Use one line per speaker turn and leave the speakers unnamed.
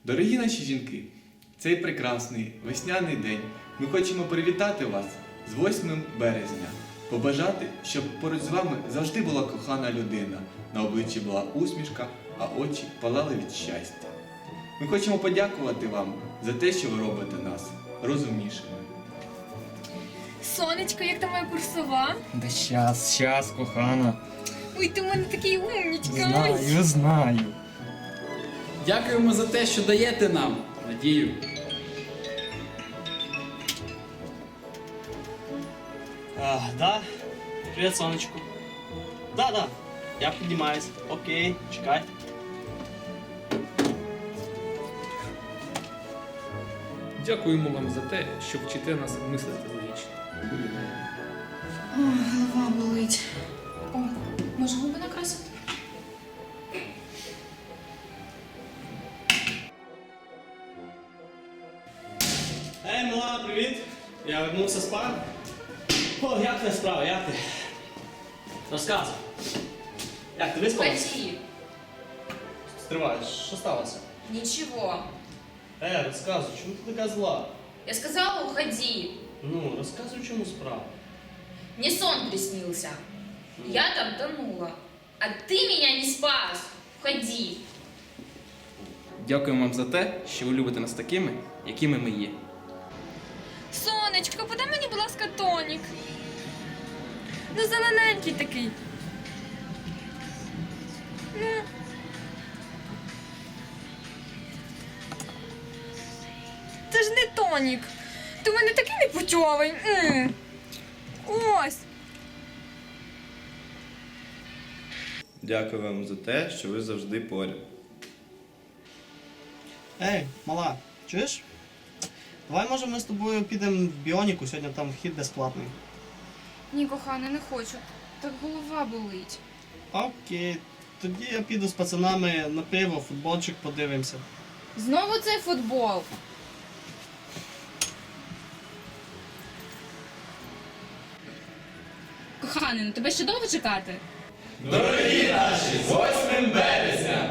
Дорогі наші жінки, цей прекрасний весняний день ми хочемо привітати вас з 8 березня. Побажати, щоб поруч з вами завжди була кохана людина, на обличчі була усмішка, а очі палали від щастя. Ми хочемо подякувати вам за те, що ви робите нас розумнішими.
Сонечко, як там моя курсова?
Да щас, кохана.
Ой, ти в мене такий умнічка.
Знаю.
Дякуємо за те, що даєте нам надію.
Да. Привет, сонечко. Да. Я піднімаюсь. Окей, чекай.
Дякуємо вам за те, що вчите нас мислити логічно.
Голова болить. О, може губи накрасити?
Ей, мала, привіт. Я вернувся з пар. О, як твоя справа, як ти? Розказуй. Як ти виспалась?
Ходи.
Стривай, що сталося?
Ничего.
Розказуй, чому ти така зла?
Я сказала, уходи.
Ну, розказуй, чому справа.
Мне сон приснился. Я там тонула. А ты меня не спас. Уходи.
Дякуємо вам за те, що ви любите нас такими, якими ми є.
Сонечко, подай мені, будь ласка, тонік. Ну, зелененький такий. Ну. Це ж не тонік. Ти в мене такий непутьовий. Ось.
Дякую вам за те, що ви завжди поряд.
Ей, мала, чуєш? Давай, може, ми з тобою підемо в Біоніку, сьогодні там вхід безплатний.
Ні, кохана, не хочу. Так голова болить.
Окей, тоді я піду з пацанами на пиво, футболчик подивимося.
Знову цей футбол.
Коханий, ну тебе ще довго чекати?
Дорогі наші, з 8 березня!